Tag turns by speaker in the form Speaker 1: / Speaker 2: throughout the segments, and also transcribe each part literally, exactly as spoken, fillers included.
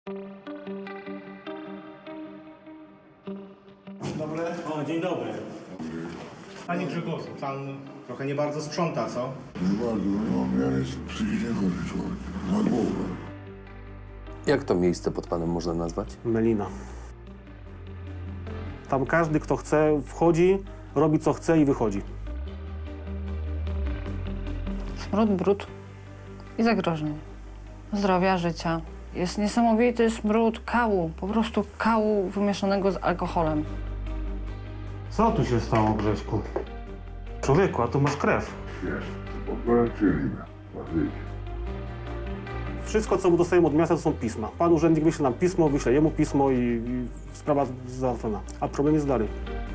Speaker 1: Dzień dobry.
Speaker 2: O, dzień dobry.
Speaker 1: Panie Grzegorzu, pan trochę nie bardzo sprząta, co?
Speaker 3: Nie bardzo, no, ja jestem psychicznie chory człowiek, na głowę.
Speaker 4: Jak to miejsce pod panem można nazwać?
Speaker 2: Melina. Tam każdy, kto chce, wchodzi, robi co chce i wychodzi.
Speaker 5: Smród, brud i zagrożenie zdrowia, życia. Jest niesamowity smród kału, po prostu kału wymieszanego z alkoholem.
Speaker 2: Co tu się stało, Grześku? Człowieku, a tu masz krew.
Speaker 3: Wiesz, poprawczyli mnie, patrzcie.
Speaker 2: Wszystko, co dostajemy od miasta, to są pisma. Pan urzędnik wyśle nam pismo, wyśle jemu pismo i, i sprawa załatwiona. A problem jest dalej.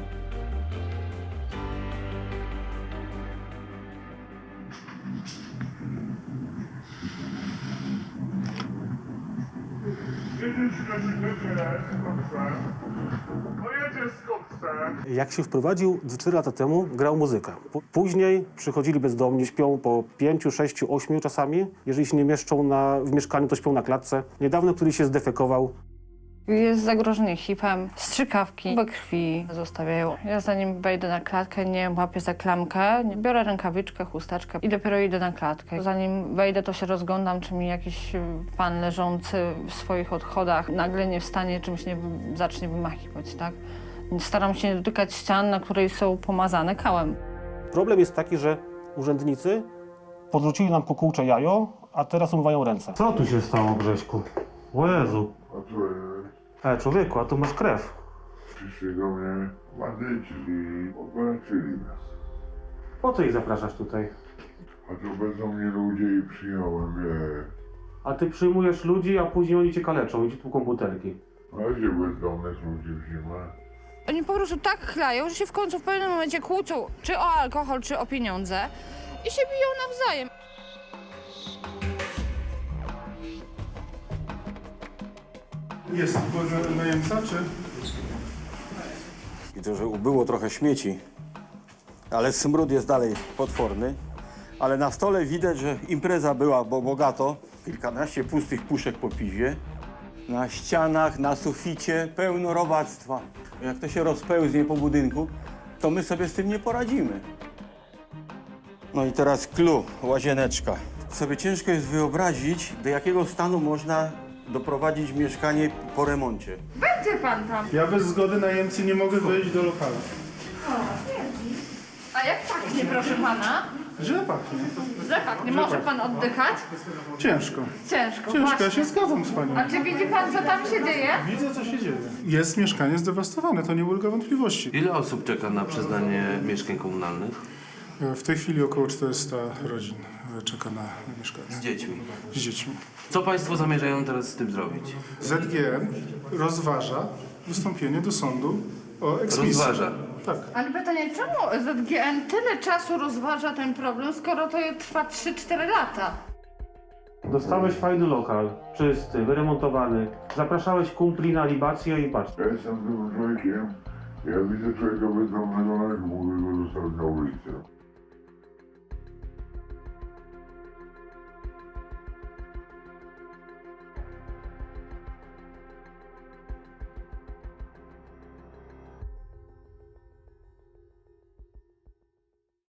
Speaker 2: Jak się wprowadził cztery lata temu, grał muzykę. P- Później przychodzili bezdomni, śpią po pięciu, sześciu, ośmiu czasami. Jeżeli się nie mieszczą na, w mieszkaniu, to śpią na klatce. Niedawno któryś się zdefekował.
Speaker 5: Jest zagrożenie hipem, strzykawki we krwi zostawiają. Ja zanim wejdę na klatkę, nie łapię za klamkę, nie biorę rękawiczkę, chusteczkę i dopiero idę na klatkę. Zanim wejdę, to się rozglądam, czy mi jakiś pan leżący w swoich odchodach nagle nie wstanie, czymś nie wy- zacznie wymachiwać, tak? Staram się nie dotykać ścian, na której są pomazane kałem.
Speaker 2: Problem jest taki, że urzędnicy podrzucili nam kukułcze jajo, a teraz umywają ręce. Co tu się stało, Grześku? O Jezu.
Speaker 3: A co, e,
Speaker 2: E, człowieku, a tu masz krew.
Speaker 3: przyszli do mnie bandyci i poprawczyli nas.
Speaker 2: Po co ich zapraszasz tutaj?
Speaker 3: A to będą mnie ludzie i przyjąłem, wie.
Speaker 2: A ty przyjmujesz ludzi, a później oni cię kaleczą i ci tłuką butelki.
Speaker 3: A gdzie bezdomnych ludzi w zimę?
Speaker 5: Oni po prostu tak chlają, że się w końcu w pewnym momencie kłócą, czy o alkohol, czy o pieniądze i się biją nawzajem.
Speaker 1: Jest najemca, czy?
Speaker 6: Widzę, że ubyło trochę śmieci, ale smród jest dalej potworny. Ale na stole widać, że impreza była, bo bogato. Kilkanaście pustych puszek po piwie. Na ścianach, na suficie pełno robactwa. Jak to się rozpełznie po budynku, to my sobie z tym nie poradzimy. No i teraz clue, łazieneczka. Sobie ciężko jest wyobrazić, do jakiego stanu można doprowadzić mieszkanie po remoncie.
Speaker 5: Będzie pan tam.
Speaker 1: Ja bez zgody najemcy nie mogę wejść do lokalu.
Speaker 5: A jak pachnie, proszę pana?
Speaker 1: Źle pachnie.
Speaker 5: Że pachnie. Może pan oddychać?
Speaker 1: Ciężko.
Speaker 5: Ciężko,
Speaker 1: Ciężko,
Speaker 5: właśnie.
Speaker 1: ja się zgadzam z panią.
Speaker 5: A czy widzi pan, co tam się dzieje?
Speaker 1: Widzę, co się dzieje. Jest mieszkanie zdewastowane, to nie ulega wątpliwości.
Speaker 7: Ile osób czeka na przyznanie mieszkań komunalnych?
Speaker 1: W tej chwili około czterysta rodzin czeka na mieszkanie.
Speaker 7: Z dziećmi.
Speaker 1: Z dziećmi.
Speaker 7: Co państwo zamierzają teraz z tym zrobić?
Speaker 1: Z G M rozważa wystąpienie do sądu o eksmisję.
Speaker 7: Rozważa.
Speaker 1: Tak.
Speaker 5: Ale pytanie, czemu Z G N tyle czasu rozważa ten problem, skoro to trwa trzy cztery lata?
Speaker 2: Dostałeś fajny lokal, czysty, wyremontowany. Zapraszałeś kumpli na libację i patrz.
Speaker 3: Ja jestem tym człowiekiem, ja widzę człowieka bezdomnego, nawet mogę go zostawić na ulicę.